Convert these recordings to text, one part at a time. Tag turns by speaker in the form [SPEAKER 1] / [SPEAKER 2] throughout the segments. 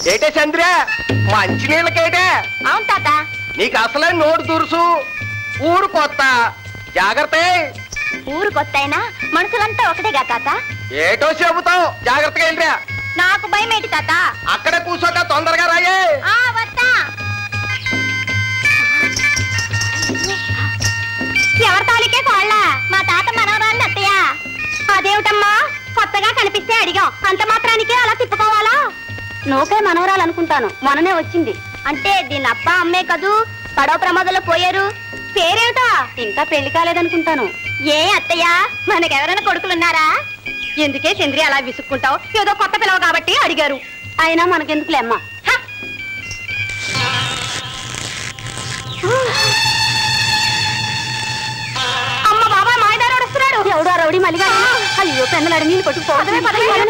[SPEAKER 1] ఏటే చంద్ర మంచినీళ్ళకేటే?
[SPEAKER 2] అవును తాత.
[SPEAKER 1] నీకు అసలే నోటు దురుసు, ఊరు కొత్త, జాగ్రత్త.
[SPEAKER 2] ఊరు కొత్త అయినా మనుషులంతా ఒకటేగా తాత.
[SPEAKER 1] ఏటో చెబుతావు, జాగ్రత్తగా వెళ్ళరా.
[SPEAKER 2] నాకు భయం ఏంటి తాత?
[SPEAKER 1] అక్కడే కూర్చోక తొందరగా రాయే.
[SPEAKER 2] వస్తా. ఎవరి తాలికే కోళ్ళ? మా తాత మనవరాళ్ళు అత్తయ్య. అదేమిటమ్మా కొత్తగా కనిపిస్తే అడిగాం, అంత మాత్రానికే అలా తిప్పుకోవాలా? నోకే మనవరాలు అనుకుంటాను, మొన్ననే వచ్చింది. అంటే దీని అబ్బా అమ్మే కదూ, పడవ ప్రమాదంలో పోయారు. పేరేమిటా? ఇంకా పెళ్లి కాలేదనుకుంటాను. ఏ అత్తయ్య, మనకెవరైనా కొడుకులున్నారా? ఎందుకే చంద్రి అలా విసుక్కుంటావు? ఏదో కొత్త పిల్లవ కాబట్టి అడిగారు. అయినా మనకెందుకులే అమ్మా. అమ్మ బాబాయ్, మాయదారు వస్తున్నాడు. ఎవడు ఆ రౌడీ మళ్ళీ? అయ్యో పెన్నలాడు నీళ్ళు కొట్టుకుపోవడమే.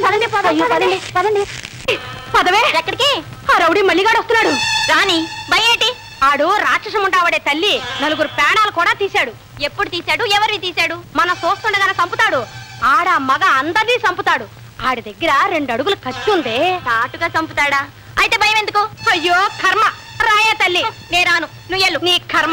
[SPEAKER 2] పదవే. ఎక్కడికి? ఆ రౌడీ మల్లిగాడు వస్తున్నాడు. రాని భయేటి? ఆడు రాక్షసం ఉంటావాడే తల్లి, నలుగురు ప్రాణాలు కూడా తీశాడు. ఎప్పుడు తీశాడు? ఎవరిని తీశాడు? మన చూస్తుండగానే చంపుతాడు. ఆడ మగ అందరినీ చంపుతాడు. ఆడి దగ్గర 2 అడుగులు కత్తి ఉందే. తాటుగా చంపుతాడా? అయితే భయం ఎందుకు? అయ్యో కర్మ. రాయే తల్లి, నే రాను, నువ్వు ఎల్లు, నీ కర్మ.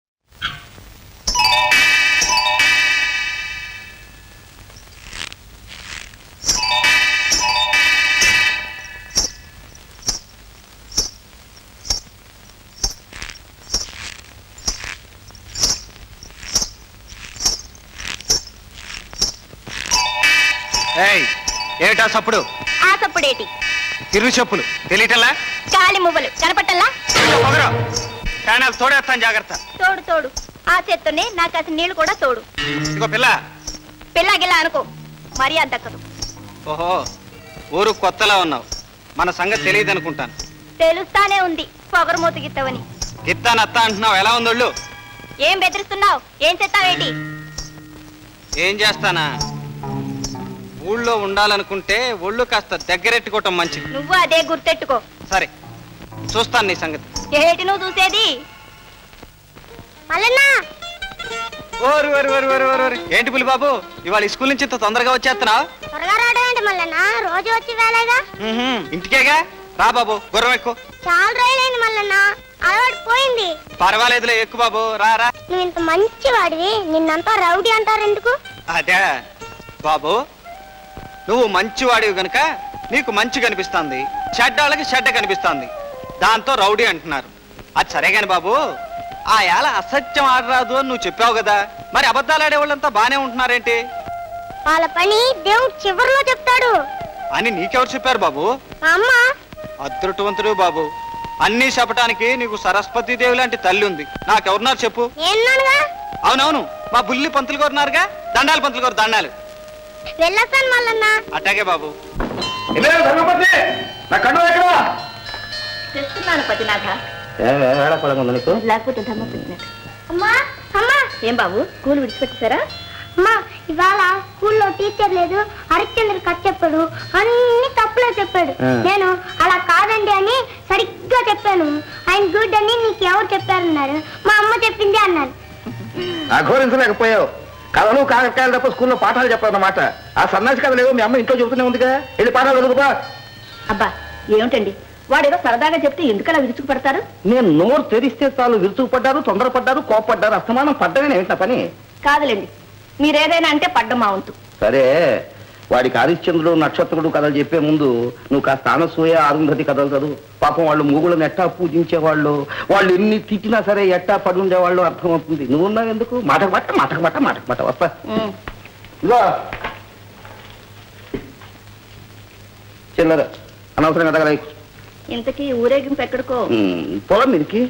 [SPEAKER 1] ఏమిటా సప్పుడు?
[SPEAKER 2] ఆ సప్పుడేటి?
[SPEAKER 1] తిరుగు చెప్పులు తెలియటల్లా?
[SPEAKER 2] గాలి మువ్వలు కనపట్టల్లా?
[SPEAKER 1] ప్రాణాలు తోడేస్తాను, జాగ్రత్త.
[SPEAKER 2] తోడు తోడు. ఆ చేత్తోనే నాకు అసలు నీళ్లు కూడా తోడు.
[SPEAKER 1] ఇదిగో పిల్ల.
[SPEAKER 2] పిల్లగిల్లా అనుకో, మర్యాద దక్కదు.
[SPEAKER 1] ఓహో, ఊరు కొత్తలా ఉన్నావు, మన సంగతి తెలియదు అనుకుంటాను.
[SPEAKER 2] తెలుస్తానే ఉంది పొగరమూత గిత్తవని.
[SPEAKER 1] గిత్తానత్త అంటున్నావు, ఎలా ఉందోళ్ళు?
[SPEAKER 2] ఏం బెదిరిస్తున్నావు? ఏం చేస్తావేటి?
[SPEAKER 1] ఏం చేస్తానా, ఊళ్ళో ఉండాలనుకుంటే ఒళ్ళు కాస్త దగ్గరెట్టుకోవటం మంచిది.
[SPEAKER 2] నువ్వు అదే గుర్తెట్టుకో.
[SPEAKER 1] సరే, చూస్తాను నీ సంగతి.
[SPEAKER 2] ఏటి నువ్వు చూసేది?
[SPEAKER 1] ఓరు ఓరు ఓరు ఓరు ఓరు. ఏంటి పులి బాబు, ఇవాళ స్కూల్ నుంచి ఇంత తొందరగా వచ్చేస్తున్నావు?
[SPEAKER 2] త్వరగా రావడం ఏంటి మల్లన్న? రోజు వచ్చి వేళగా.
[SPEAKER 1] ఇంటికేగా, రా బాబు, గుర్రం ఎక్కువ.
[SPEAKER 2] చాలా రోజులైంది మల్లన్న, అలవాటు పోయింది.
[SPEAKER 1] పర్వాలేదులే, ఎక్కువ బాబు, రా రా.
[SPEAKER 2] నువ్వు ఇంత మంచి వాడివి, నిన్నంతా రౌడీ అంటారు ఎందుకు?
[SPEAKER 1] అదే బాబు, నువ్వు మంచివాడివి గనుక నీకు మంచి కనిపిస్తుంది, చెడ్డాళ్ళకి చెడ్డ కనిపిస్తుంది, దాంతో రౌడీ అంటున్నారు. అది సరే గాని బాబు, ఆ ఏళ అసత్యం ఆడరాదు అని నువ్వు చెప్పావు కదా, మరి అబద్ధాలు ఆడేవాళ్ళంతా బానే ఉంటున్నారేంటి?
[SPEAKER 2] వాళ్ళ పని దేవుడు చివరిలో చెప్తాడు
[SPEAKER 1] అని నీకెవరు చెప్పారు బాబు?
[SPEAKER 2] అమ్మ.
[SPEAKER 1] అదృష్టవంతుడు బాబు, అన్ని చెప్పటానికి నీకు సరస్వతి దేవి లాంటి తల్లి ఉంది. నాకెవరున్నారు చెప్పు? అవునవును, మా బుల్లి పంతులు గారు ఉన్నారుగా. దండాలు పంతులు గారు, దండాలు.
[SPEAKER 2] వెళ్ళొస్తాను మల్లన్న.
[SPEAKER 1] అట్టాగే బాబు.
[SPEAKER 2] తెస్తున్నాను పతినాథ. లేకపోతే ఏం బాబు, స్కూల్ విడిచిపెట్టేశారా? అమ్మా, ఇవాళ స్కూల్లో టీచర్ లేదు, హరిశ్చంద్ర కథ చెప్పాడు, అన్ని తప్పులే చెప్పాడు. నేను అలా కాదండి అని సరిగ్గా చెప్పాను. ఆయన గుడ్ అని నీకు ఎవరు చెప్పారన్నారు? మా అమ్మ చెప్పింది అన్నారు.
[SPEAKER 3] అఘోరించలేకపోయావు. కథలు కాకరకాయలు తప్ప స్కూల్లో పాఠాలు చెప్పారన్నమాట. ఆ సన్నాసి కథ లేవు, మీ అమ్మ ఇంట్లో చెబుతూనే ఉందిగా. వెళ్ళి పాఠాలు చదువుకో.
[SPEAKER 2] అబ్బా ఏమిటండి, వాడేదో సరదాగా చెప్తే ఎందుకలా విరుచుకు పడతారు?
[SPEAKER 3] నేను నోరు తెరిస్తే చాలు విరుచుకు పడ్డారు, తొందరపడ్డారు, కోపడ్డారు. అస్తమానం పడ్డమే ఏమిటి నా పని?
[SPEAKER 2] కాదులేండి, మీరేదైనా అంటే పడ్డం మా వంతు.
[SPEAKER 3] సరే, వాడికి హరిశ్చంద్రుడు నక్షత్రుడు కథలు చెప్పే ముందు నువ్వు కాస్త అనసూయ అరుంధతి కథలు చదువు. పాపం వాళ్ళు మూగులను ఎట్టా పూజించేవాళ్ళు, వాళ్ళు ఎన్ని తిట్టినా సరే ఎట్టా పడి ఉండేవాళ్ళు అర్థమవుతుంది. నువ్వు ఉన్నావు ఎందుకు? మాటకు మాట వస్తా. ఇదో చిల్లర అనవసరంగా దగ్గర
[SPEAKER 2] ఇంతకీ ఊరేగింపు ఎక్కడికో?
[SPEAKER 3] పొలం మీరికి.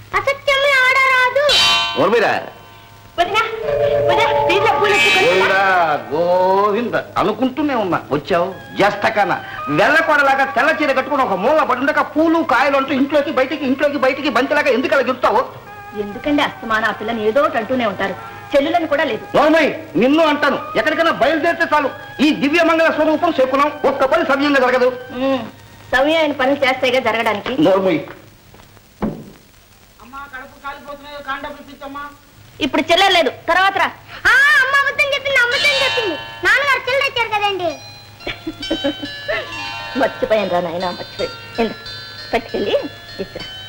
[SPEAKER 3] గోవింద అనుకుంటూనే ఉన్నా, వచ్చావు జస్తకన్నా. వెళ్ళకొడలాగా తెల్ల చీర కట్టుకుని ఒక మూల పడి ఉండక పూలు కాయలు అంటూ ఇంట్లోకి బయటికి బంతిలాగా ఎందుకు అలా గెలుస్తావు?
[SPEAKER 2] ఎందుకండి అస్తమాన ఆ పిల్లని ఏదో అంటూనే ఉంటారు. చెల్లులని కూడా లేదు.
[SPEAKER 3] నోర్మై, నిన్ను అంటాను. ఎక్కడికైనా బయలుదేరితే చాలు ఈ దివ్య మంగళ స్వరూపం చెప్పుకున్నాం. ఒక్క పని సమయంగా జరగదు.
[SPEAKER 2] సవ్యమైన పనులు చేస్తాయిగా జరగడానికి.
[SPEAKER 3] నోర్మై,
[SPEAKER 2] ఇప్పుడు చిల్లర లేదు, తర్వాత రా. అమ్మ అబద్ధం చెప్పింది, నాన్నగారు చిల్లర ఇచ్చారు కదండి. మర్చిపోయాను రా నాయన, మర్చిపోయి. పట్టుకెళ్ళి ఇస్తా